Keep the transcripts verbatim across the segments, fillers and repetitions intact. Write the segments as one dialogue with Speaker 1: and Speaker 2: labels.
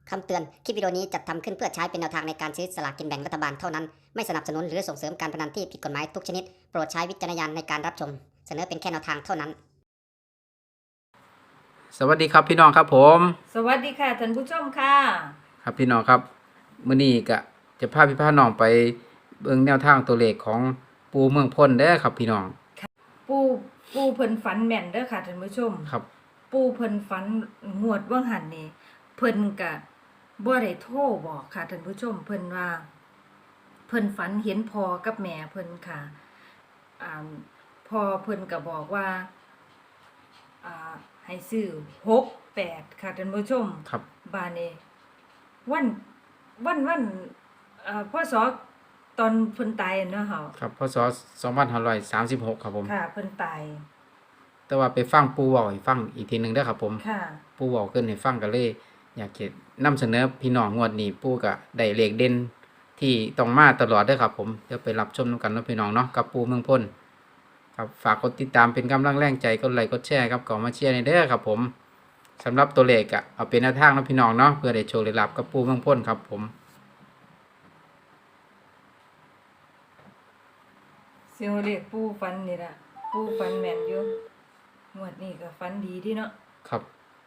Speaker 1: คำเตือน คลิปวิดีโอนี้จัดทำขึ้นเพื่อใช้เป็นแนวทางในการซื้อสลากกินแบ่งรัฐบาลเท่านั้น ไม่สนับสนุนหรือส่งเสริมการพนันที่ผิดกฎหมายทุกชนิด โปรดใช้วิจารณญาณในการรับชม เสนอเป็นแค่แนวทางเท่านั้น
Speaker 2: สวัสดีครับพี่น้องครับผม
Speaker 3: สวัสดีค่ะท่านผู้ชมค่ะ
Speaker 2: ครับพี่น้องครับมื้อนี้ก็จะพาพี่พาน้องไปเบิ่งแนวทางตัวเลขของปูเมืองพ้นเด้อครับพี่น้อง
Speaker 3: ปูปูเพิ่นฝันแม่นเด้อค่ะท่านผู้ชม
Speaker 2: ครับ
Speaker 3: ปูเพิ่นฝันงวดว่างหันนี่เพิ่นก็บ่ได้โทรบอกค่ะท่านผู้ชม เพิ่นว่าเพิ่นฝันเห็นพ่อกับแม่เพิ่นค่ะอ่าพ่อเพิ่นก็บอกว่าอ่าให้ซื้อหกแปดค่ะท่านผู้ชม
Speaker 2: ครับ
Speaker 3: บาดนี้วันวันวันเอ่อพศตอนเพิ่นตายอะเนาะเฮา
Speaker 2: ครับพศสองพันห้าร้อยสามสิบหกครับผม
Speaker 3: ค่ะเพิ่นตาย
Speaker 2: แต่ว่าไปฟังปูเว้าให้ฟังอีกทีหนึงเด้อครับผม
Speaker 3: ค่ะ
Speaker 2: ปูเว้าขึ้นให้ฟังก็เลย อยากจะนำเสนอพี่น้องงวดนี้ปูก็ได้เลขเด่นที่ต้องมาตลอดเด้อครับผมเดี๋ยวไปรับชมนํกันเนาะพี่น้องเนาะกับปูเมืองพ้นครับฝากกดติดตามเป็นกำลังแรงใจกดไลค์กดแชร์ครับก่อนมาเชียร์ในเด้อครับผมสำหรับตัวเลขอะเอาเป็นแนวทางเนาะพี่น้องเนาะเพื่อได้โชคได้ลาภกับปูเมืองพ้นครับผม
Speaker 3: เสียวเรียกปูฟันนี่ล่ะปูฟันแม่นอยู่งวดนี้ก็ฟันดีดีเนาะ
Speaker 2: ครับ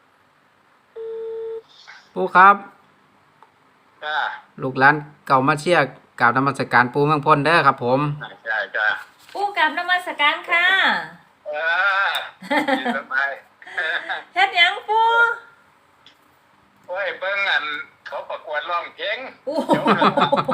Speaker 2: ปูครับ
Speaker 4: จ้า
Speaker 2: ลูกหลานเก่ามาเชียร์กล่าวนมัสการปูเมืองพ้นเด้อครับผม
Speaker 4: ใช่จ้า
Speaker 3: ปูกราบนมัสการค่ะ
Speaker 4: เออดีสบาย
Speaker 3: เฮ็ดหยังปู
Speaker 4: โอ้ยเบิ่งอันเขาประกวดร้องเพลง
Speaker 3: โอ้
Speaker 4: เดี๋ยวนะ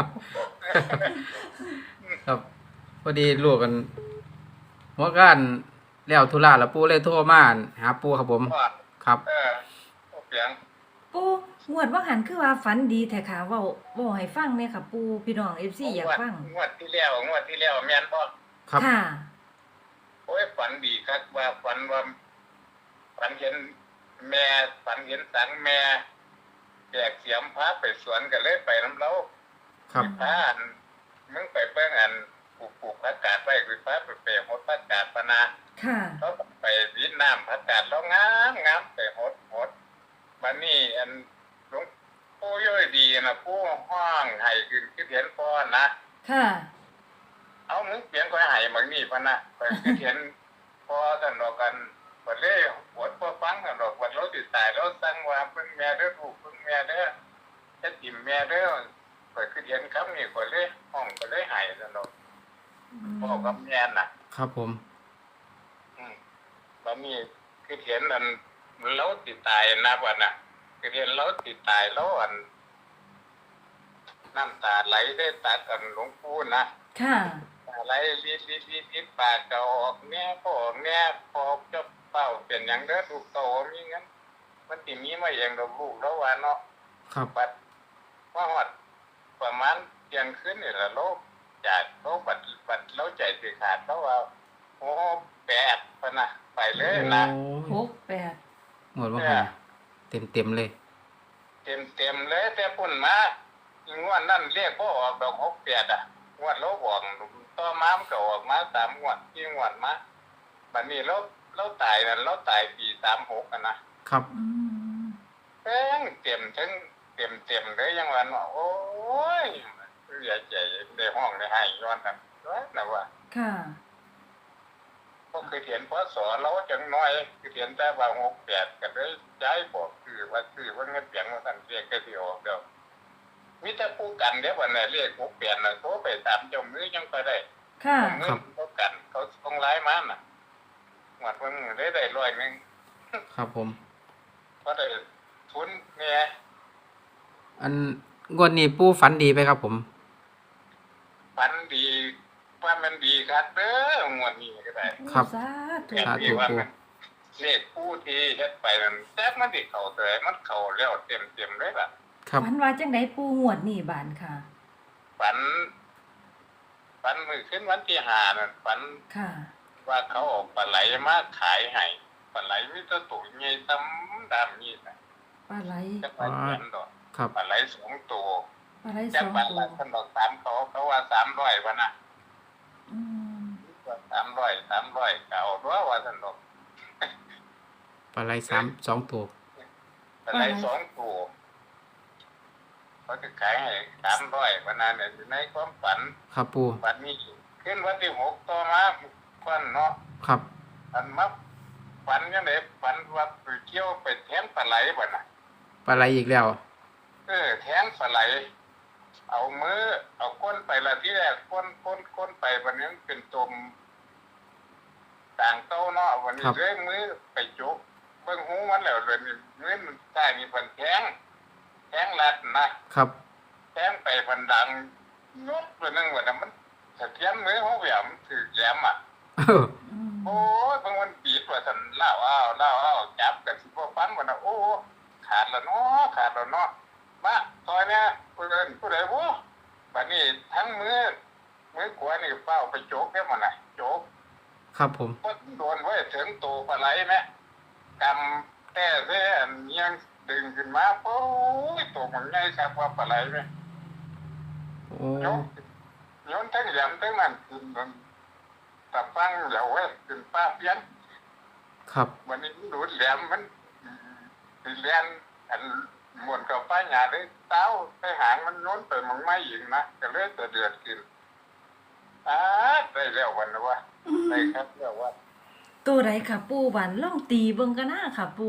Speaker 2: ครับพอดีลูกกันหัวกันแล้วธุระแล้วปูเลยโทรมาหาปูครับผม
Speaker 4: ว่า
Speaker 2: ครับ
Speaker 4: เออโอ้เสียง
Speaker 3: ปูงวดว่าหันคือว่าฝันดีแท้ค่ะเว้าเว้าให้ฟังแน่ค่ะปูพี่น้อง เอฟ ซี อยากฟัง
Speaker 4: งวดที่แล้วงวดที่แล้วแม่นบ่
Speaker 2: ครับ
Speaker 3: ค่ะ
Speaker 4: โอ้ยฝันดีครับว่าฝันว่าฝันเห็นแม่ฝันเห็นสังแม่แจกเสียมพาไปสวนก็เลยไปน้ำเล้า
Speaker 2: ครับ
Speaker 4: พาอันมึงไปเบิ่งอันปลูกปลูกผักกาดไว้คือพาไปเปรหดผักกาดปะนา
Speaker 3: ค่ะ
Speaker 4: เขาไปวิดน้ำผักกาดแล้วงามงามไปหดหดมันนี่อันหลวงปู่ย่อยดีนะปู่ห้องไห้ขึ้นคือเห็นพ่อนะ
Speaker 3: ค่ะ
Speaker 4: เอามึงเปลี่ยนก็ไห้บางนี่พะนะไปคือเห็นพ่อกันดอกกันบัดเลยหดพ่อฟังกันดอกบัดเราติดตายเราสั่งว่าเพิ่งแม่เด้อลูกเพิ่งแม่เด้อจะติ่มแม่เด้อไปคือเห็นคำนี้ก็เลยห้องก็เลยไห้กันดอกพ่อกับแม่น่ะ
Speaker 2: ครับผม
Speaker 4: อืมบะมีคือเห็นอันเราติดตายนะวันน่ะคือเห็นเราติดตายแล้วอันน้ำตาไหลได้ตากันหลวงปู่นะ
Speaker 3: ค่ะ
Speaker 4: ตาไหลลิดลิดลิดลิดปากก็ออกแม่พ่อแม่พอจะเป้าเป็นอย่างเด้อลูกโตมีงั้นมันติมีมาเองดอกลูกแล้วว่าเนาะ
Speaker 2: ครับ
Speaker 4: บัดว่าฮอดประมาณเที่ยงคืนนี่ล่ะโลกจากโลกบัดบัดเราใจสิขาดเพราะว่าโอ้แปดพะนะไปเลยนะ
Speaker 2: โอ้
Speaker 3: หกแปด
Speaker 2: หมดว่าไงเต็มเต็มๆเลย
Speaker 4: เต็มเต็มๆเลยแต่ปุ่นมางวดนั่นเรียกพ่อออกดอกหกแปดอ่ะงวดเราบอกต่อมามันก็ออกมาสามงวดที่งวดมาบัดนี้เราเราตายนั่นเราตายปีสามหกอ่ะนะครับ
Speaker 3: อืม
Speaker 4: เต็มเต็มทั้งเต็มเต็มเลยยังวันว่าโอ้ยเสียใจได้ห้องได้ให้ย้อนกันว่านะว่า
Speaker 3: ค่ะ
Speaker 4: ก็คือเห็นพศเราจังน้อยคือเห็นแต่ว่าหกแปดก็เลยย้ายบอกคือว่าคือว่าเงินเสียงว่าสั่นเรียกก็สิออกเดียวมีแต่ผู้กันเดี๋ยววันไหนเรียกหกแปดน่ะโทรไปตามเจ้ามือยังก็ได้
Speaker 3: ค่ะ
Speaker 4: เงินเขากันเขาส่งไลน์มาน่ะหมดวันมือได้ได้ร้อยหนึง
Speaker 2: ครับผม
Speaker 4: เพราะได้ทุนเนี่ย
Speaker 2: อันงวดนี้ปูฝันดีไปครับผม
Speaker 4: ฝันดีว่ามันดีครับเด้องวดนี้ก็ได้
Speaker 2: ครับ
Speaker 3: สาธุ
Speaker 4: แม่
Speaker 2: สาธุ
Speaker 4: ดีว่ามันเลขผู้ที่เฮ็ดไปนั่นแจ๊กมันสิเข้าเตยมันเข้าแล้วเต็มๆเลยล่ะ
Speaker 2: ครับ
Speaker 3: ฝันว่าจังไดปูงวดนี่บานค่ะ
Speaker 4: ฝันฝันมือขึ้นวันที่ห้านั่นฝัน
Speaker 3: ค่ะ
Speaker 4: ว่าเขาเออกปลาไหลมาขายให้ปลาไหลมีแตัวตัวใหญ่ตำดำนี่นะ
Speaker 3: ปลาไหล
Speaker 4: จักปลาเห็นดอก
Speaker 2: ครับ
Speaker 4: ปลาไหลสองตัว
Speaker 3: ปลาไหลส
Speaker 4: จัก
Speaker 3: อง
Speaker 4: ปลา
Speaker 3: ตั
Speaker 4: ไหล
Speaker 3: ว
Speaker 4: คนดอกสามเขาเขาว่าสามร้อยวันน่ะ
Speaker 3: อืม
Speaker 4: สามร้อยสามร้อยเก่าตัวว่าสันดอก
Speaker 2: ปลาไหลสามสองตัว
Speaker 4: ปลาไหลสองตัวเขาจะขายให้สามร้อยวันนั้นเนี่ยอยู่ในความฝัน
Speaker 2: ครับปู
Speaker 4: ฝันนี้ขึ้นวันที่หกต่อมาควันเนาะ
Speaker 2: ครับ
Speaker 4: ฝันมาฝันยังไงฝันว่าไปเที่ยวไปแทงปลาไหลบ่น่ะ
Speaker 2: ปลาไหลอีกแล้ว
Speaker 4: เออแทงปลาไหล เอามือเอาก้นไปละที่แรกก้นก้นก้นไปวันนี้เป็นตมต่างเต้าเนาะวันนี้เลยมือไปจุกเบิ่งหูมันแล้วเลยนี่มือมันใต้มีพันแทงแทงลัดนะครับ แทงไปพันดังยกไปนึงว่าน่ะมันสะเทียนมือเขาแหวมถือแหลมอ่ะ
Speaker 2: เออ
Speaker 3: อืม
Speaker 4: โอ้ยบางวันบีดว่าสันเล่าอ้าวเล่าอ้าวจับกันสิบ่ฟันว่าน่ะโอ้ขาดแล้วเนาะขาดแล้วเนาะมาซอยเนี่ยผู้เอิ้นผู้ใดบ่บัดนี้ทั้งมือมือขวานี่เฝ้าไปโจกได้มันน่ะโจก
Speaker 2: ครับผม
Speaker 4: บ่โดนไว้ถึงโตปลาไหลแม่กำแต่เส้นยังดึงขึ้นมาโอ้ยโตมันใหญ่ครับว่าปลาไหลแม่
Speaker 2: โอ้
Speaker 4: โยนโยนทั้งแหลมทั้งนั้นขึ้นมันตะฟังแล้วเว้ยขึ้นป้าเพี้ยน
Speaker 2: ครับ
Speaker 4: วันนี้ดูดแหลมมันสิเลียนอันหมวนกับป้าหยาได้เต้าไปหางมันโน้นไปมันไม่ยิงนะก็เลยจะเดือดกินอ้าได้แล้ววันนะวะได้ครับแล้วว่า
Speaker 3: ตัวใดค่ะปูบันล่องตีเบิ่งกันนะค่ะปู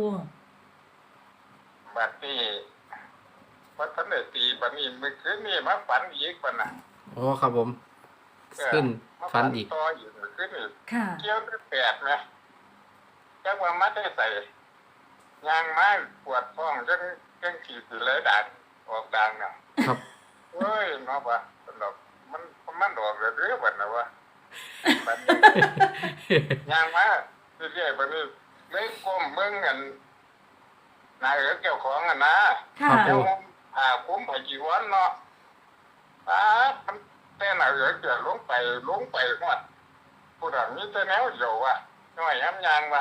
Speaker 4: บัดนี้วัดทันได้ตีบัดนี้มือคืนนี่มาฝันอีกวันน่ะ
Speaker 2: โอ้ครับผม ขึ้น
Speaker 4: มา
Speaker 2: ฟันอีก
Speaker 4: ต่ออีกมือคืนนี่
Speaker 3: ค่ะ
Speaker 4: เกี่ยวด้วยแปดไหมจักว่ามัดได้ใส่ยางไม้ปวดท้องจังจังขีดสิเลยดังออกดังน่ะ
Speaker 2: ครับ
Speaker 4: เฮ้ยเนาะวะสนุกมันมันดอกเรื่อยๆบัดนะวะบัดนี้ย่างมาเรื่อยๆบัดนี้เลยก้มเบิ่งกันนายเอ๋เกี่ยวของกันนะ
Speaker 3: ค่ะ
Speaker 2: ครับ
Speaker 4: เจ้าผ่าคุ้มผ่าจีวรเนาะป้าดมันแต่นายเอ๋เกี่ยวลงไปลงไปหมดผู้ดังนี้แต่แนวเดียวว่ะน้อยย้ำยางว่ะ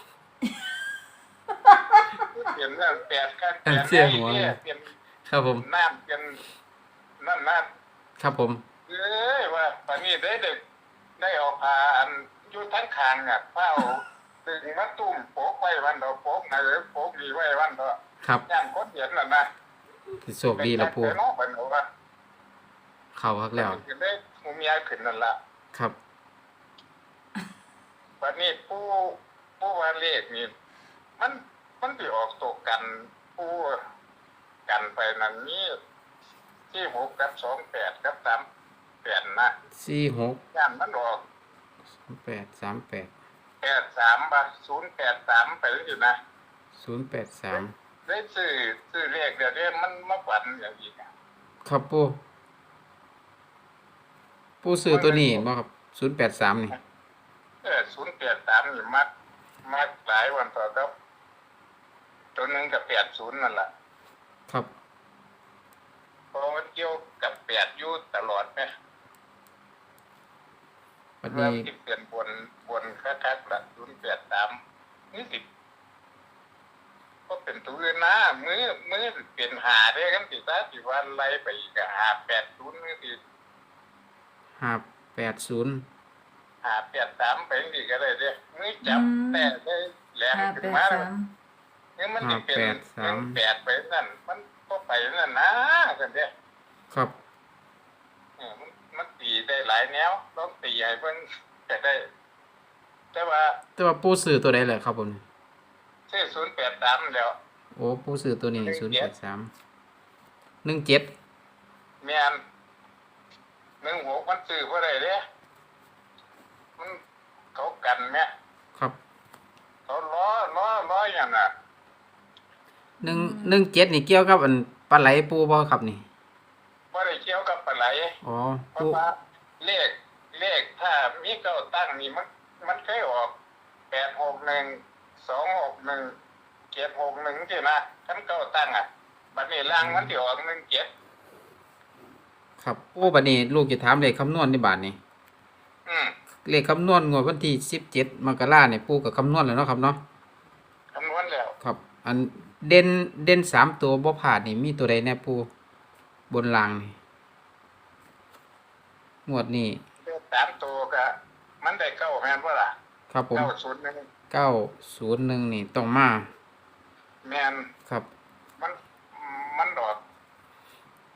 Speaker 4: เปลี่ยนเรื่องแปดกันเปลี่ยน
Speaker 2: เสียหัว
Speaker 4: ไอ้
Speaker 2: เลย
Speaker 4: เนี่ยเปลี่ยน
Speaker 2: ครับผม
Speaker 4: น้ำเปลี่ยนนั่นนั่น
Speaker 2: ครับผม
Speaker 4: เอ้ยว่าตอนนี้ได้เด็กได้เอาพาอันอยู่ทั้งคางอ่ะเฝ้าตึงมาตุ่มโปกไว้วันเดอโปกนะหรือโปกดีไว้วันเดอ
Speaker 2: ครับ
Speaker 4: ย่างคนเห็นน่ะนะ
Speaker 2: สิโชคดีแล้วปู
Speaker 4: เป็นน้องเป็นหนูว่า
Speaker 2: เข้าครับแล้ว
Speaker 4: จะได้หูเมียขึ้นนั่นละ
Speaker 2: ครับ
Speaker 4: วันนี้ผู้ผู้ว่าเลขนี่มันมันไปออกตกกันผู้กันไปนั่นนี่ที่หกกับสองแปดกับสามแปดนะ
Speaker 2: สี่หก
Speaker 4: ย่านมันออก
Speaker 2: สองแปดสามแปด
Speaker 4: แปดสามบาศูนย์แปดสามไปอยู่นะ
Speaker 2: ศูนย์แปดสาม
Speaker 4: ได้ซื้อซื้อเลขเดี๋ยวนี้มันมาฝันอย่างอีกอะ
Speaker 2: ครับปูปูซื้อตัวนี้บ่ครับศูนย์แปดสามนี่
Speaker 4: เออศูนย์แปดสามนี่มักมักหลายวันต่อครับตัวหนึ่งกับแปดศูนย์นั่นแหละ
Speaker 2: ครับ
Speaker 4: เพราะมันเกี่ยวกับแปดอยู่ตลอดไหม
Speaker 2: วัน
Speaker 4: เริ่
Speaker 2: นี้
Speaker 4: มที่เปลี่ยนบนบนคักๆละศูนย์แปดสามนี่สิก็เป็นตัวอื่นนะมือมือเป็นหาได้กันสิซะสิวันไล่ไปอีกอะหาแปดศูนย์นี่สิ
Speaker 2: ห้าแปดศูนย์
Speaker 4: หาแปดสามไปอีกก็ได้เด้มือจับ
Speaker 3: อืม
Speaker 4: แต่ได้แหลม
Speaker 3: ห้า
Speaker 4: ขึ้
Speaker 3: แป
Speaker 4: น
Speaker 3: ด
Speaker 4: มา
Speaker 3: สาม
Speaker 4: นี่มันจะเป็นหนึ่งแปดไปนั่นมันก็ไปนั่นนะกันเด้
Speaker 2: ครับ
Speaker 4: เออมันมันตีได้หลายแนวต้องตีให้เพิ่นจะได้ แต่ว่า
Speaker 2: แต่ว่าปูซื้อตัวใดเลยครับผม
Speaker 4: ชื่อศูนย์แปดสามแล้ว
Speaker 2: โอ้ปูซื้อตัวนี้
Speaker 4: หนึ่
Speaker 2: ศูน
Speaker 4: ง
Speaker 2: ย์
Speaker 4: เจ็
Speaker 2: แป
Speaker 4: ด
Speaker 2: ดสามหนึ่งเจ็ด
Speaker 4: แม่นหนึ่งหกมันซื้อบ่ได้เด้มันเขากันแม่
Speaker 2: ครับ
Speaker 4: เขาล้อล้อล้ออย่างน่ะ
Speaker 2: หนึ่งหนึ่งเจ็ดนี่เกี่ยวกับอันปลาไหลปูบ่ครับนี่
Speaker 4: บ่ได้เกี่ยวกับปลาไหล
Speaker 2: อ๋อ
Speaker 4: เพ
Speaker 2: ปู
Speaker 4: ราะว่าเลขเลขถ้ามีเก้าตั้งนี่มันมันเคยออกแปดหกหนึ่งสองหกหนึ่งเจ็ดหกหนึ่งที่นะคันเก้าตั้งอ่ะบัดนี้ล่างมันสิออกหนึ่งเจ็ด
Speaker 2: ครับโอ้บัดนี้ลูกจะถามเลขคำนวณในบาทนี่
Speaker 4: อืม
Speaker 2: เลขคำนวณงวดวันที่สิบเจ็ดมกราเนี่ยปูกับคำนวณแล้วเนาะครับเนาะ
Speaker 4: คำนวณแล้ว
Speaker 2: ครับ อันเด่นเด่นสามตัวบ่ผ่านนี่มีตัวใดแน่ปูบนรางนี่งวดนี้
Speaker 4: เลขสามตัวก็มันได้เก้าแม่นบ่ล่ะ
Speaker 2: ครับผม
Speaker 4: เก้าศูนย์หนึ่ง
Speaker 2: เก้าศูนย์หนึ่งนี่ต้องมา
Speaker 4: แม่น
Speaker 2: ครับ
Speaker 4: มันมันดอก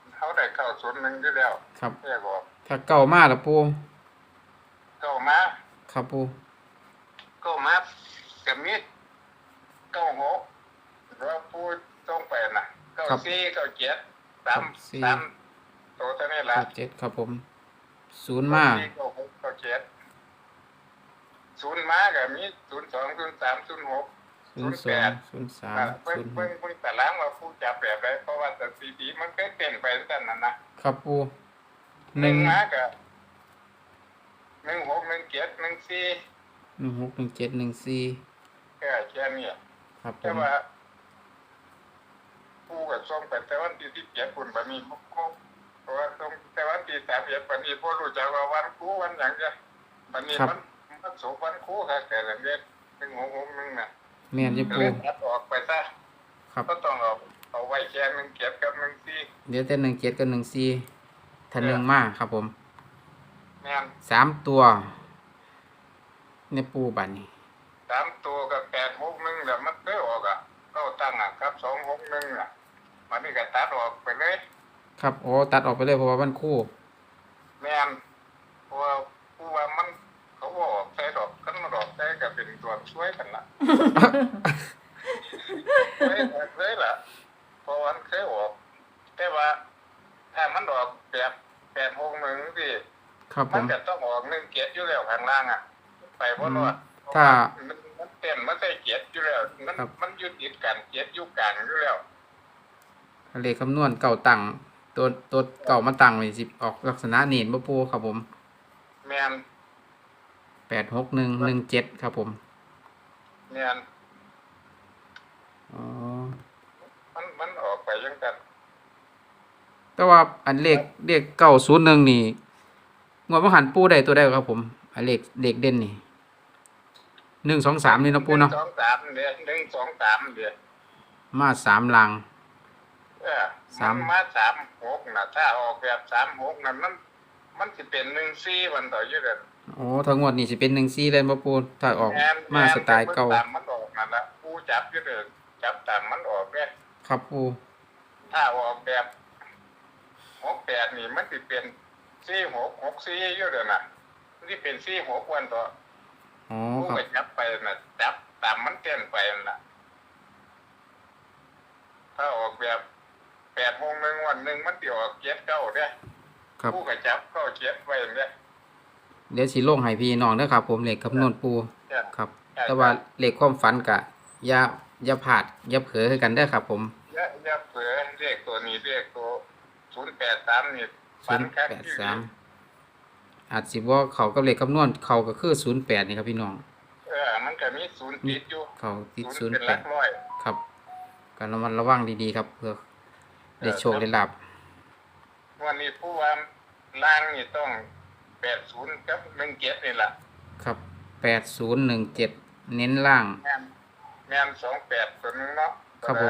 Speaker 4: ศูนย์หนึ่งอยู่แล้ว
Speaker 2: ครับ
Speaker 4: แม่บอก
Speaker 2: ถ้าเก่ามาละปู
Speaker 4: เก้ามา
Speaker 2: ครับปู
Speaker 4: เก้ามากับมิดเก้าหกเราพูดต้องไปน่ะเก้าสี่เก้าเจ็ดสามสามตัวเท่านี้ละ
Speaker 2: เก้าเจ็ดครับผมศูนย์มา
Speaker 4: เก้าสี่เก้าหกเก้าเจ็ดศูนย์มากับมิดศูนย์สองศูนย์สามศูนย์หก
Speaker 2: ศูนย์สองศูนย์สาม
Speaker 4: เพิ่ง
Speaker 2: ศูนย์ห
Speaker 4: เพิ่ง
Speaker 2: ก
Speaker 4: เพิ่งแต่ล้างว่าผู้จับแบบไรเพราะว่าแต่สีดีมันก็เปลี่ยนไปตั้งนั้นนะครับ
Speaker 2: ปู
Speaker 4: ห
Speaker 2: หนึ่
Speaker 4: นึ่
Speaker 2: ง
Speaker 4: งมากับหนึ่งหกหนึ่งเจ็ดหนึ่งสี่
Speaker 2: หนึ่งหกหนึ่งเจ็ดหนึ่งสี่
Speaker 4: แค่แค่นี้
Speaker 2: ครับผ
Speaker 4: แต่
Speaker 2: ม
Speaker 4: ว่าผู้กับส่งไปแต่วันที่ที่เจ็ดคุณบะมีครบครบเพราะว่าส่งแต่วันที่สามเอ็ดบะมีผู้รู้จักว่าวันครูวันอย่างเงี้ยบะมีมันมันโสวันครูค่ะแต่ละเดือนหนึ่งหกหกหนึ่งน่ะ
Speaker 2: แม่นอยี่
Speaker 4: ก็
Speaker 2: ปู
Speaker 4: เลยตัดออกไปซะ
Speaker 2: ครับ
Speaker 4: ก็ต้องเอาเอาไว้แค่หนึ่งเจ็ดกับหนึ่งสี่
Speaker 2: เดี๋ยวแต่หนึ่งเจ็ดกับหนึ่งสี่ถ้าหนึ่งมาครับผม
Speaker 4: แม่น
Speaker 2: สามตัวในปูบัดนี้
Speaker 4: สามตัวกับแปดหกหนึ่งเดี๋ยวมันเคยออกอ่ะก็ตั้งอ่ะครับสองหกหนึ่งอ่ะมันนี่ก็ตัดออกไปเลย
Speaker 2: ครับโอ้ตัดออกไปเลยเพราะว่ามันคู่
Speaker 4: แม่นเพราะว่าผู้ว่ามันเขาบอกใส่ดอกกันมาดอกใส่ก็เป็นตัวช่วยกันละ ช่วยกันเลยล่ะเพราะวันเคยออกแต่ว่าถ้ามันออกแบบแปดหกหนึ่งสิ
Speaker 2: ครับผ
Speaker 4: มัน
Speaker 2: ม
Speaker 4: จะต้องออกหนึ่งเกียรอยู่แล้วข้างล่างอ่ะ ไปเพราะว่า
Speaker 2: ถ้า
Speaker 4: มันมันเต้นมันใส่เกียรอยู่แล้วมัน
Speaker 2: ครับ
Speaker 4: มันอยุติดกันเกียรอยู่กลางอยู่แล้ว
Speaker 2: เลขคำนวณเก่าตังตัวตัวเก่ามาตังไว้สิออกลักษณะเนียนบ่ปูครับผม
Speaker 4: แมน
Speaker 2: แปดหกหนึ่งหนึ่งเจ็ดครับผม
Speaker 4: แมน
Speaker 2: อ๋อ
Speaker 4: มันมันออกไปยังกัน
Speaker 2: แต่ว่าอันเลขเลขเก้าศูนย์หนึ่งนี่งวดมหันปูได้ตัวได้ครับผมอันเลขเลขเด่นนี่หนึ่งสองสามนี่เนาะปูเนาะ
Speaker 4: หงสองสามเดือนหนึ่งสองสามเดือน
Speaker 2: มาสามลัง
Speaker 4: เออ
Speaker 2: สาม
Speaker 4: นมาสามหกนะถ้าออกแบบสามหกนะมันมันจะเป็นหนึ่งสี่วันต่ออยู่เดือน
Speaker 2: โอ้ทั้งงวดนี่สิเป็นหนึ่งสี่เลยบ่ปูถ้าออก
Speaker 4: แมน
Speaker 2: มาสไตล์เก่า
Speaker 4: ตามมันออกนั่นละผู้จับอยู่เดือนจับตามมันออกเลย
Speaker 2: ครับปู
Speaker 4: ถ้าออกแบบหกแปดนี่มันจะเป็นสี่หกหกสี่อยู่เดือนน่ะมันจะเป็นสี่หกวันต่อ
Speaker 2: อ๋อ
Speaker 4: ผู้
Speaker 2: ครับ
Speaker 4: ไปจับไปน่ะจับตามมันเต้นไปนั่นล่ะถ้าออกแบบแปดโมงหนึ่งวันหนึ่งมันจะออกเจ็ดเก้าเด้อ
Speaker 2: ครับ
Speaker 4: ผู้ก็จับเข้าเจ็ดไว้เด้อ
Speaker 2: เดี๋ยวสิลงให้พี่น้องเด้อครับ ผมเลขคำนวณปู
Speaker 4: เนี่ย
Speaker 2: ครับ
Speaker 4: ใช่
Speaker 2: แต่ว่าเลขความฝันกะอย่าอย่าผาดอย่าเผลอให้กันเด้อครับ ผม
Speaker 4: อย่าอย่าเผื่อเรียกตัวนี้เรียกตัวศูนย์แปดสามนี่
Speaker 2: ศูนย์แปดสามอาจสิว่าเขากับเลขคำนวณเขาก็คือศูนย์แปดนี่ครับพี่น้อง
Speaker 4: เออมันก็มีศูนย์ติดอยู่
Speaker 2: เขาติด
Speaker 4: ศู
Speaker 2: ศู
Speaker 4: น
Speaker 2: น
Speaker 4: ย์
Speaker 2: ย์
Speaker 4: เป็นห
Speaker 2: แป
Speaker 4: ลั
Speaker 2: ด
Speaker 4: กร้อย
Speaker 2: ครับการระมัดระวังดีๆครับ เพื่อได้โชคได้ลาบ
Speaker 4: วันนี้ผู้ว่าล่างนี่ต้องแปดศูนย์กับหนึ่งเจ็ดนี่แหละ
Speaker 2: ครับแปดศูนย์หนึ่งเจ็ดเน้นล่าง
Speaker 4: แม่นแม่นสองแปดตัวนึงเนาะ
Speaker 2: ครับผม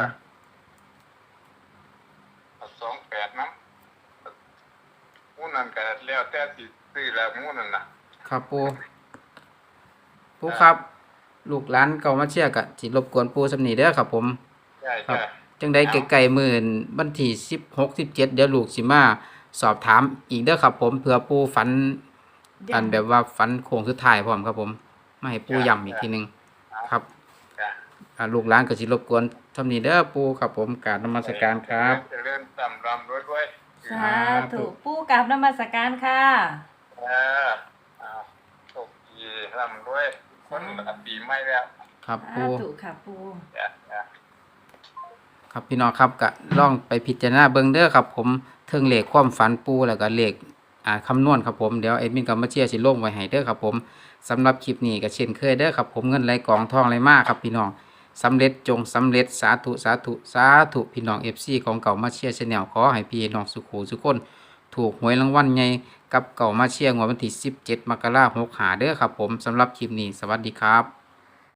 Speaker 4: สองแปดน้ำมู้นั่นก็แล้วแต่สิซื้อแล้วมู้นั่นน่ะ
Speaker 2: ครับปูปูครับ ลูกหลานเก่ามาเชียร์กะจิรบกวนปูสำนีเด้อครับผม
Speaker 4: ใช่
Speaker 2: ครับ
Speaker 4: ใช่
Speaker 2: จังได้ไกลๆหมื่นบันที่สิบหกสิบเจ็ดเดี๋ยวลูกสิมาสอบถามอีกเด้อครับผมเผื่อปูฝันอันแบบว่าฝันโค้งสุดท้ายพร้อมครับผมมาให้ปูย้ำอีกทีหนึงครับ
Speaker 4: จ้ะ
Speaker 2: อ่าลูกหลานก็สิรบกวนทำนี้เด้อปูครับผมกรารนมัสการครับ
Speaker 4: เจริญตำรำด้วยด้วย
Speaker 3: สาธุปู่กับนมัสการค่ะ
Speaker 4: เออเอาโชคดีร่ำด้วยคนละปีใหม่แล้ว
Speaker 2: ครับ
Speaker 3: สา
Speaker 2: ปู
Speaker 3: ธุค่ะปู่
Speaker 4: จ้ะจ้ะ
Speaker 2: ครับพี่น้องครับก็ลองไปพิจารณาเบิ่งเด้อครับผมเทิงเลขความฝันปูแล้วก็เลขอ่าคำนวณครับผมเดี๋ยวเอ็ดมินกับมาเชียร์สิลงไว้ให้เด้อครับผมสำหรับคลิปนี้ก็เช่นเคยเด้อครับผมเงินไหลกองทองไหลมาครับพี่น้องสำเร็จจงสำเร็จสาธุสาธุสาธุพี่น้อง เอฟ ซี ของเก่ามาเชียร์ชาแนลขอให้พี่น้องสุขสุขคนถูกหวยรางวัลใหญ่กับเก่ามาเชียร์งวดวันที่สิบเจ็ดมกราคมหกห้าเด้อครับผมสำหรับคลิปนี้สวัสดีครับ